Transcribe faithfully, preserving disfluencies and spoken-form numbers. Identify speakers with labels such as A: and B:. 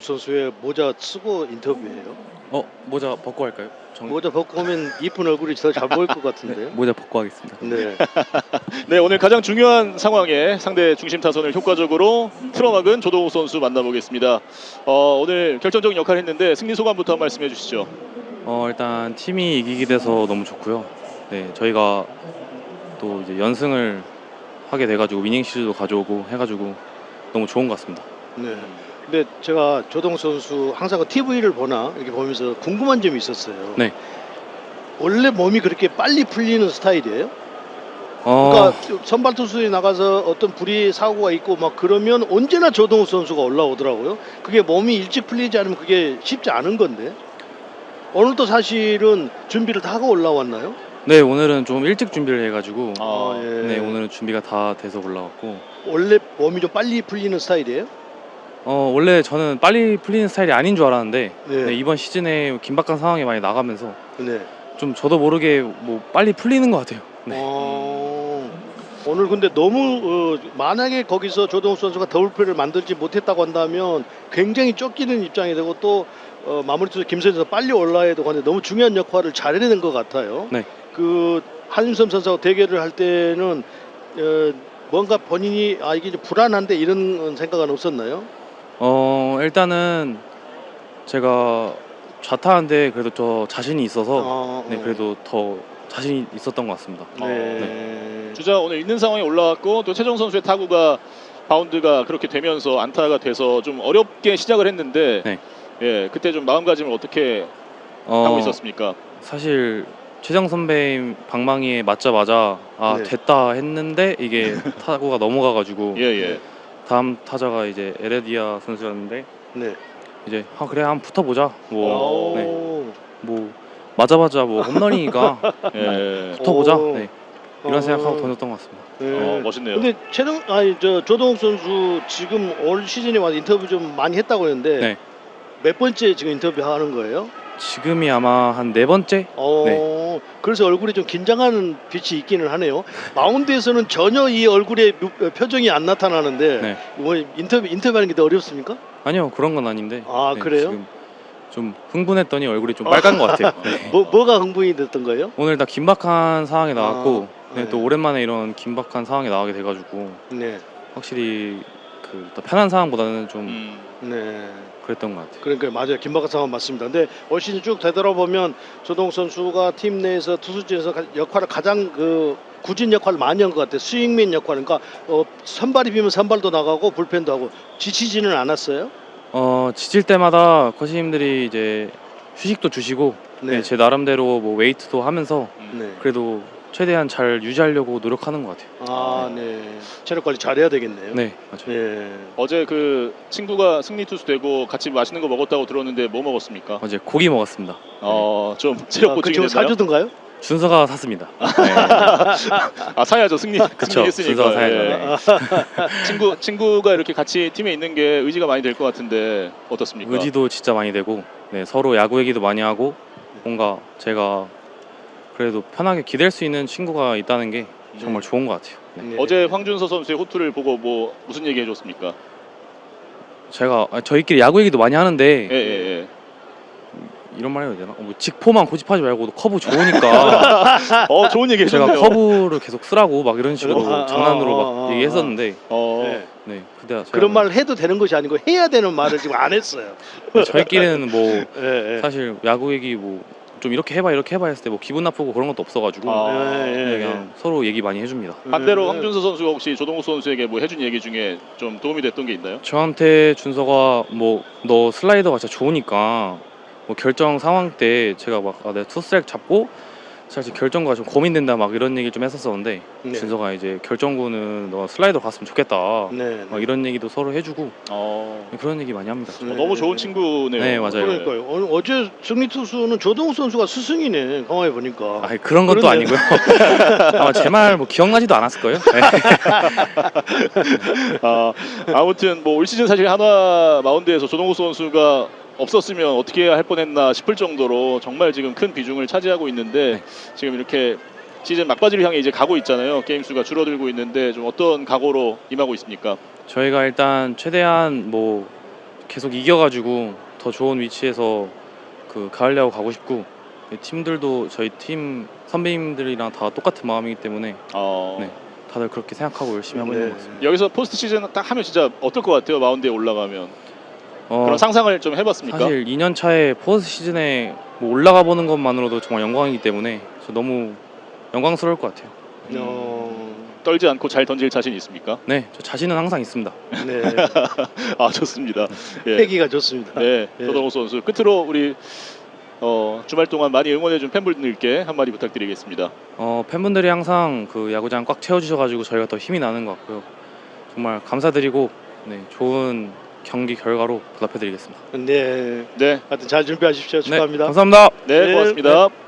A: 선수의 모자 쓰고 인터뷰해요.
B: 어 모자 벗고 할까요? 정...
A: 모자 벗고 오면 이쁜 얼굴이 더 잘 보일 것 같은데요.
B: 네, 모자 벗고 하겠습니다.
A: 네.
C: 네, 오늘 가장 중요한 상황에 상대 중심 타선을 효과적으로 틀어막은 조동욱 선수 만나보겠습니다. 어, 오늘 결정적인 역할을 했는데 승리 소감부터 한 말씀해 주시죠.
B: 어 일단 팀이 이기게 돼서 너무 좋고요. 네, 저희가 또 이제 연승을 하게 돼가지고 위닝 시리즈도 가져오고 해가지고 너무 좋은 것 같습니다.
A: 네. 근데 제가 조동욱 선수 항상 티비를 보나 이렇게 보면서 궁금한 점이 있었어요.
B: 네.
A: 원래 몸이 그렇게 빨리 풀리는 스타일이에요?
B: 어...
A: 그러니까 선발 투수에 나가서 어떤 불의 사고가 있고 막 그러면 언제나 조동욱 선수가 올라오더라고요. 그게 몸이 일찍 풀리지 않으면 그게 쉽지 않은 건데 오늘도 사실은 준비를 다 하고 올라왔나요?
B: 네, 오늘은 좀 일찍 준비를 해가지고
A: 아, 예.
B: 네, 오늘은 준비가 다 돼서 올라왔고.
A: 원래 몸이 좀 빨리 풀리는 스타일이에요?
B: 어 원래 저는 빨리 풀리는 스타일이 아닌 줄 알았는데
A: 네.
B: 네, 이번 시즌에 긴박한 상황이 많이 나가면서
A: 네.
B: 좀 저도 모르게 뭐 빨리 풀리는 것 같아요. 네.
A: 어... 오늘 근데 너무 어, 만약에 거기서 조동욱 선수가 더블플레이를 만들지 못했다고 한다면 굉장히 쫓기는 입장이 되고 또 어, 마무리 투수 김선희 선수 빨리 올라야 되고 하는데 너무 중요한 역할을 잘해낸 것 같아요.
B: 네.
A: 그 한윤섬 선수하고 대결을 할 때는 어, 뭔가 본인이 아 이게 좀 불안한데 이런 생각은 없었나요?
B: 어 일단은 제가 좌타한데 그래도 저 자신이 있어서
A: 어,
B: 네
A: 어.
B: 그래도 더 자신이 있었던 것 같습니다.
A: 네.
B: 네.
C: 주자 오늘 있는 상황에 올라왔고 또 최정 선수의 타구가 바운드가 그렇게 되면서 안타가 돼서 좀 어렵게 시작을 했는데
B: 네.
C: 예, 그때 좀 마음가짐을 어떻게
B: 어,
C: 하고 있었습니까?
B: 사실 최정 선배님 방망이에 맞자마자 아
A: 네.
B: 됐다 했는데 이게 타구가 넘어가가지고
C: 예, 예.
B: 다음 타자가 이제 에레디아 선수였는데
A: 네.
B: 이제 아 그래 한번 붙어보자 뭐,
A: 오.
B: 네, 뭐 맞아봤자 뭐 홈런이니까
C: 예.
B: 붙어보자
A: 오.
B: 네, 이런
A: 어.
B: 생각하고 던졌던 것 같습니다.
A: 네.
C: 어, 멋있네요.
A: 근데 최동 아니 저 조동욱 선수 지금 올 시즌에 와서 인터뷰 좀 많이 했다고 했는데
B: 네.
A: 몇 번째 지금 인터뷰 하는 거예요?
B: 지금이 아마 한 네 번째?
A: 어,
B: 네.
A: 그래서 얼굴이 좀 긴장하는 빛이 있기는 하네요. 마운드에서는 전혀 이 얼굴에 묘- 표정이 안 나타나는데
B: 네.
A: 뭐 인터뷰 인터뷰하는 게 더 어렵습니까?
B: 아니요 그런 건 아닌데
A: 아,
B: 네,
A: 그래요?
B: 지금 좀 흥분했더니 얼굴이 좀 빨간 것 같아요. 네.
A: 뭐 뭐가 흥분이 됐던 거예요?
B: 오늘 다 긴박한 상황이 나왔고
A: 아,
B: 네,
A: 네.
B: 또 오랜만에 이런 긴박한 상황이 나가게 돼가지고
A: 네,
B: 확실히 그 더 편한 상황보다는 좀
C: 음.
A: 네.
B: 그랬던 것 같아요.
A: 그러니까 맞아요. 김박한 상황 맞습니다. 근데 올 시즌 쭉 되돌아보면 조동욱 선수가 팀 내에서 투수진에서 가- 역할을 가장 그 굳은 역할을 많이 한 것 같아요. 스윙맨 역할. 그러니까 어, 선발이 비면 선발도 나가고 불펜도 하고 지치지는 않았어요.
B: 어 지칠 때마다 코치님들이 이제 휴식도 주시고
A: 네.
B: 네, 제 나름대로 뭐 웨이트도 하면서
A: 네.
B: 그래도 최대한 잘 유지하려고 노력하는 것 같아요.
A: 아, 네. 체력 관리 잘해야 되겠네요.
B: 네, 맞아요.
A: 네.
C: 어제 그 친구가 승리 투수 되고 같이 맛있는 거 먹었다고 들었는데 뭐 먹었습니까?
B: 어제 고기 먹었습니다.
C: 어, 좀 체력
A: 아, 그
C: 보충이
A: 친구
C: 됐나요?
A: 사주던가요?
B: 준서가 샀습니다. 네.
C: 아, 사야죠. 승리
B: 그쵸,
C: 승리했으니까.
B: 준서가 사야죠.
C: 예.
B: 네.
C: 친구 친구가 이렇게 같이 팀에 있는 게 의지가 많이 될 것 같은데 어떻습니까?
B: 의지도 진짜 많이 되고 네, 서로 야구 얘기도 많이 하고 뭔가 제가 그래도 편하게 기댈 수 있는 친구가 있다는 게 정말 좋은 것 같아요. 네.
A: 네.
C: 어제 황준서 선수의 호투를 보고 뭐 무슨 얘기 해줬습니까?
B: 제가 아, 저희끼리 야구 얘기도 많이 하는데
C: 예, 예, 예.
B: 이런 말 해도 되나? 어, 뭐 직포만 고집하지 말고 커브 좋으니까
C: 어, 좋은 얘기
B: 제가
C: 해줬네요.
B: 커브를 계속 쓰라고 막 이런 식으로
A: 아, 아,
B: 장난으로
A: 아,
B: 막
A: 아,
B: 얘기했었는데
C: 어,
A: 네.
B: 네, 근데 제가
A: 그런 말을 해도 되는 것이 아니고 해야 되는 말을 지금 안 했어요.
B: 저희끼리는 뭐
A: 예, 예.
B: 사실 야구 얘기 뭐 좀 이렇게 해봐 이렇게 해봐 했을 때 뭐 기분 나쁘고 그런 것도 없어가지고
C: 아,
A: 예, 예,
B: 네,
A: 예.
B: 그냥 서로 얘기 많이 해줍니다.
C: 반대로
A: 예.
C: 황준서 선수가 혹시 조동욱 선수에게 뭐 해준 얘기 중에 좀 도움이 됐던 게 있나요?
B: 저한테 준서가 뭐 너 슬라이더가 진짜 좋으니까 뭐 결정 상황 때 제가 막 아, 내가 투스트라이크 잡고 사실 결정과 좀 고민된다 막 이런 얘기 좀 했었었는데
A: 네.
B: 준서가 이제 결정구는 너 슬라이더 갔으면 좋겠다
A: 네.
B: 막 이런 얘기도 서로 해주고
C: 어,
B: 그런 얘기 많이 합니다.
A: 네.
C: 어, 너무 좋은 친구네요.
B: 네, 맞아요.
A: 그러니까요. 오늘 어제 승리 투수는 조동욱 선수가 스승이네. 강화해 보니까.
B: 아 그런 것도
A: 그러네.
B: 아니고요. 아마 제 말 뭐 기억나지도 않았을 거예요. 네.
C: 아, 아무튼 뭐 올 시즌 사실 한화 마운드에서 조동욱 선수가 없었으면 어떻게 할 뻔했나 싶을 정도로 정말 지금 큰 비중을 차지하고 있는데
B: 네.
C: 지금 이렇게 시즌 막바지를 향해 이제 가고 있잖아요. 게임 수가 줄어들고 있는데 좀 어떤 각오로 임하고 있습니까?
B: 저희가 일단 최대한 뭐 계속 이겨가지고 더 좋은 위치에서 그 가을 야구 가고 싶고 팀들도 저희 팀 선배님들이랑 다 똑같은 마음이기 때문에
C: 어,
B: 네. 다들 그렇게 생각하고 열심히 하고
A: 네.
B: 있는 것 같습니다.
C: 여기서 포스트 시즌 딱 하면 진짜 어떨 것 같아요? 마운드에 올라가면
B: 어,
C: 그런 상상을 좀 해봤습니까?
B: 사실 이 년 차에 포스트 시즌에 뭐 올라가 보는 것만으로도 정말 영광이기 때문에 저 너무 영광스러울 것 같아요.
A: 어,
C: 떨지 않고 잘 던질 자신 있습니까?
B: 네, 저 자신은 항상 있습니다.
A: 네.
C: 아 좋습니다. 예.
A: 패기가 좋습니다.
C: 네,
A: 예.
C: 조동욱 선수 끝으로 우리 어, 주말 동안 많이 응원해준 팬분들께 한마디 부탁드리겠습니다.
B: 어, 팬분들이 항상 그 야구장 꽉 채워주셔가지고 저희가 더 힘이 나는 것 같고요. 정말 감사드리고 네, 좋은 경기 결과로 보답해드리겠습니다.
A: 네.
C: 네,
A: 하여튼 잘 준비하십시오.
B: 네,
A: 축하합니다.
B: 감사합니다.
C: 네,
A: 네,
C: 고맙습니다.